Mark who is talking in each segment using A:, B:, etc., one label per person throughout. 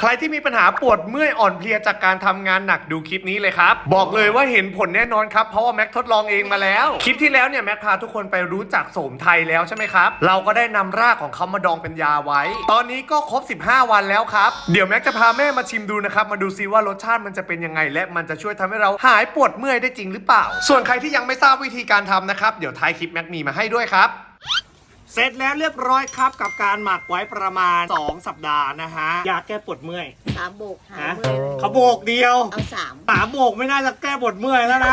A: รที่มีปัญหาปวดเมื่อยอ่อนเพลียจากการทำงานหนักดูคลิปนี้เลยครับบอกเลยว่าเห็นผลแน่นอนครับเพราะว่าแม็กทดลองเองมาแล้วคลิปที่แล้วเนี่ยแม็กพาทุกคนไปรู้จักโสมไทยแล้วใช่ไหมครับเราก็ได้นำรากของเขามาดองเป็นยาไว้ตอนนี้ก็ครบ15 วันแล้วครับเดี๋ยวแม็กจะพาแม่มาชิมดูนะครับมาดูซิว่ารสชาติมันจะเป็นยังไงและมันจะช่วยทำให้เราหายปวดเมื่อยได้จริงหรือเปล่าส่วนใครที่ยังไม่ทราบวิธีการทำนะครับเดี๋ยวท้ายคลิปแม็กมีมาให้ด้วยครับเสร็จแล้วเรียบร้อยครับกับการหมักไว้ประมาณ2 สัปดาห์นะฮะยาแก้ปวดเมื่อย
B: 3 โบกหายเมื่อยเลย
A: เขาโบกเดียว
B: เอา3
A: โบกไม่น่าจะแก้ปวดเมื่อยแล้วนะ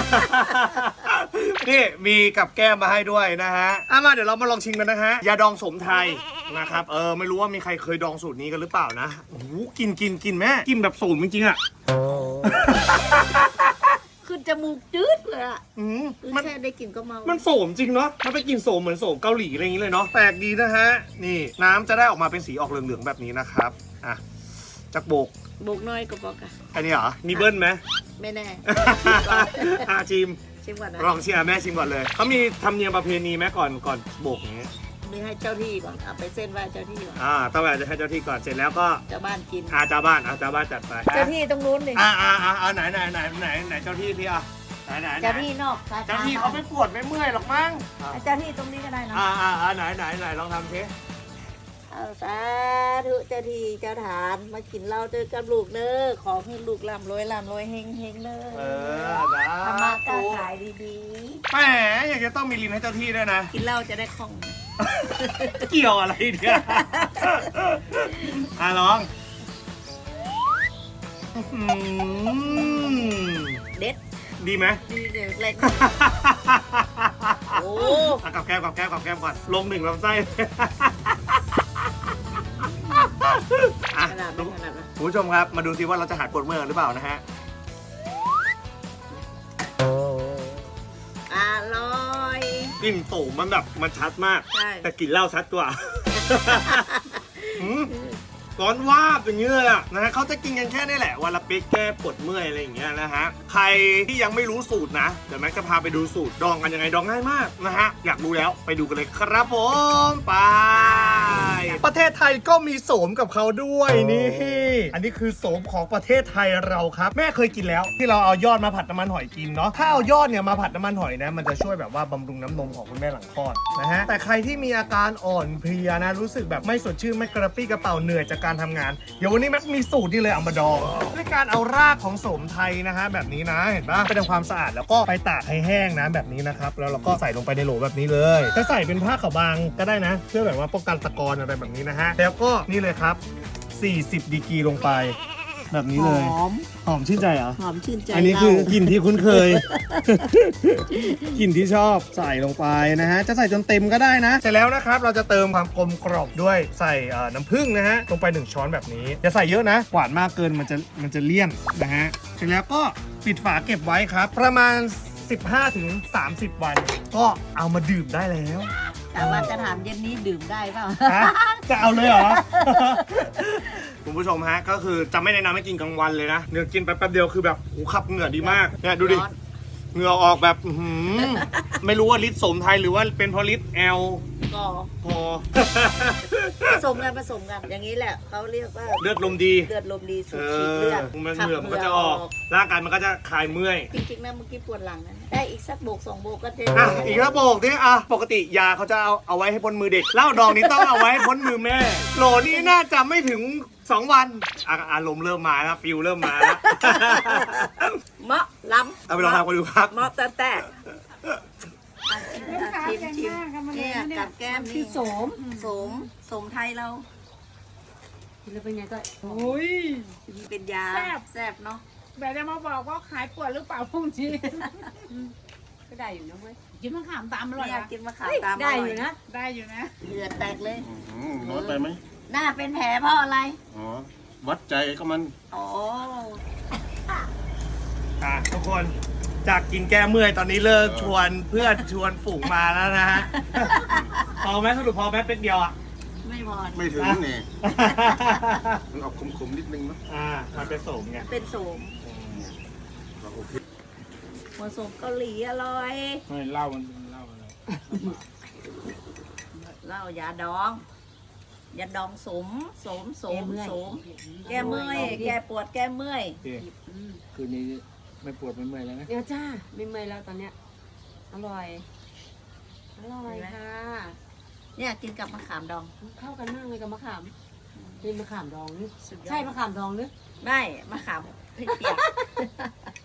A: นี่มีกับแก้มมาให้ด้วยนะฮะมาเดี๋ยวเรามาลองชิมกันนะฮะยาดองโสมไทยนะครับไม่รู้ว่ามีใครเคยดองสูตรนี้กันหรือเปล่านะโอ้โหกินแม่กินแบบโสมจริงๆอ่ะ
B: ขึ้นจมูกจืดเลยอ่ะมันแค่ได้กลิ่นก็เมา
A: มันโสมจริงเนาะมันไปกินโสมเหมือนโสมเกาหลีอะไรอย่างนี้เลยเนาะแปลกดีนะฮะนี่น้ำจะได้ออกมาเป็นสีออกเหลืองๆแบบนี้นะครับอ่ะจักโบก
B: น้อยก็บอกอะ
A: อันนี้เหรอมีเบิ้ลไหม
B: ไม่แน่
A: ชิม
B: ก่อนนะ
A: ลองชิมแม่ชิมก่อนเลยเขามีธรรมเนียมประเพณีไหมก่อนโบกอย่างเงี้ย
B: มีให้เจ้าที่ก่อนเอาไปเส้นไหว้เจ้าที่ก่อน
A: ต้องแบบจะให้เจ้าที่ก่อนเสร็จแล้วก็
B: เจ้าบ้านกิน
A: เจ้าบ้านจัดไป
B: เจ้าที่ตรงนู้นเลย
A: ไหนเจ้าที่พี่ไหน
B: เจ้าที่นอก
A: เจ้าที่เขาไม่ปวดไม่เมื่อยหรอกมั้ง
B: เจ้าที่ตรงนี้ก็ได้นะ
A: ไหนลองทำสิ
B: เอาสาธุเจ้าที่เจ้าฐานมากินเหล้าด้วยกับลูกเด้อขอให้ลูกร่ำรวยเฮงเด้อทำมาค้าขายดี
A: ๆแหมอยากจะต้องมีลิ้นให้เจ้าที่ด้วยนะ
B: กินเหล้าจะได้คล่อง
A: เกี่ยวอะไรเนี่ยลอง
B: เด็ด
A: ดีไหม
B: ดีเด็ดเล็กโอ้
A: กับแก้มก่อนลง1 ลำไส้
B: ขนาดนั้น
A: คุณผู้ชมครับมาดูซิว่าเราจะหายปวดเมื่อยหรือเปล่านะฮะ
B: อร่อย
A: กลิ่นโสมมันแบบมันชัดมากแต่กลิ่นเหล้าชัดกว่าร้อนวาบอย่างนี้เลยอ่ะนะฮะเขาจะกินกันแค่นี้แหละวันละเป๊กแก้ปวดเมื่อยอะไรอย่างเงี้ยนะฮะใครที่ยังไม่รู้สูตรนะเดี๋ยวแม็กจะพาไปดูสูตรดองกันยังไงดองง่ายมากนะฮะอยากดูแล้วไปดูกันเลยครับผมไปประเทศไทยก็มีโสมกับเขาด้วยนี่อันนี้คือโสมของประเทศไทยเราครับแม่เคยกินแล้วที่เราเอายอดมาผัดน้ำมันหอยกินเนาะถ้าเอายอดเนี่ยมาผัดน้ำมันหอยนะมันจะช่วยแบบว่าบำรุงน้ำนมของคุณแม่หลังคลอดนะฮะแต่ใครที่มีอาการอ่อนเพลียนะรู้สึกแบบไม่สดชื่นไม่กระปรี้กระเป๋าเหนื่อยจากการทำงานเดี๋ยววันนี้แม็กมีสูตรที่เลยเอามาดองด้วยการเอารากของโสมไทยนะฮะแบบนี้นะเห็นปะไปทำความสะอาดแล้วก็ไปตากให้แห้งนะแบบนี้นะครับแล้วเราก็ใส่ลงไปในโหลแบบนี้เลยจะใส่เป็นผ้าขาวบางก็ได้นะเพื่อแบบว่าป้องกันตะกอนอะไรแบบนี้นะฮะแล้วก็นี่เลยครับ40 ดีกรีลงไปแบบนี้เลยหอมชื่นใจเหรอ
B: หอมชื่นใจ
A: อันนี้คือกลิ่นที่คุ้นเคย กลิ่นที่ชอบใส่ลงไปนะฮะจะใส่จนเต็มก็ได้นะเสร็จแล้วนะครับเราจะเติมความกลมกล่อมด้วยใส่น้ำผึ้งนะฮะลงไป1 ช้อนแบบนี้อย่าใส่เยอะนะหวานมากเกินมันจะเลี่ยนนะฮะเสร็จแล้วก็ปิดฝาเก็บไว้ครับประมาณ15-30 วันก็เอามาดื่มได้แล้ว
B: แต่ว่าจะถามเย็นนี้ดื่มได้เปล่า
A: จะเอาเลยเหรอ คุณผู้ชมฮะก็คือจะไม่แนะนำให้กินกลางวันเลยนะเดี๋ยวกินแป๊บเดียวคือแบบหูขับเหงื่อดีมากเนี่ยดูดิเหงื่อออกแบบไม่รู้ว่าลิตรโสมไทยหรือว่าเป็นเพราะลิตรแอลพอ
B: ผสมกันอย่างนี้แหละเขาเรียกว่า
A: เลือดลมดี
B: สูบฉีดเลือด
A: มันเหงื่อมันก็จะออกร่างกายมันก็จะคลายเมื่อย
B: จริงๆนะเมื่อกี้ปวดหลังนะได้อีกสักโบก2 โบกก็จะ
A: อีกสักโบกดิปกติยาเขาจะเอาไว้ให้พ้นมือเด็กเหล้าดองนี้ต้องเอาไว้ให้พ้นมือแม่โหลนี้น่าจะไม่ถึง2 วันอารมณ์เริ่มมาแล้วฟิลเริ่มมาแล้ว
B: เมาะล้ำ
A: เอาไปลองทำกันดูครับ
B: เมาะแต่ชิมเนี่ยกับแก้มนี่โสมไทยเรากินแล้วเป็นไงก็
C: โอ้ย
B: เป็นยาแซ่บเนาะ
C: แบบจะมาบอกว่าขายปวดหรือเปล่าพรุ่งนี้ก็ได้อยู่นะเว้ยกินมะขามตามอร่อย
B: กินมะขามตาม
C: ได้อยู่นะ
B: เหลือแตกเลย
D: น้อยไปไหม
B: หน้าเป็นแผลเพราะอะไร
D: วัดใจก็มัน
A: ทุกคนจากกินแก้เมื่อยตอนนี้เลิกชวนเพื่อนชวนฝูงมาแล้วนะฮะพอไหมสรุปพอไหมเป็นเดียว
B: ไม่พอ
D: ไม่ถึงนี่มันออกขมๆนิดนึงเนาะ
A: มันเป็นโสมไง
B: เป็นโสมหัวโสมเกาหลีอร่อย
C: ไม่เล่ามันเล่าอะไร
B: เล่ายาดองยาดองสมแก้เมื่อยแก้ปวดแก้เมื่อย
D: โอเคคืนนี้ไม่ปวดไม่เมื่อยแล้วนะ
C: เดี๋ยวจ้าไม่เมื่อยแล้วตอนเนี้ยอร่อยค่ะ
B: เนี่ยกินกับมะขามดอง
C: เข้ากันมากเลยกับมะขามนี่มะขามดองนี่
B: สุดยอด
C: ใช่มะขามดองหรือ
B: ได้มะขามเปียก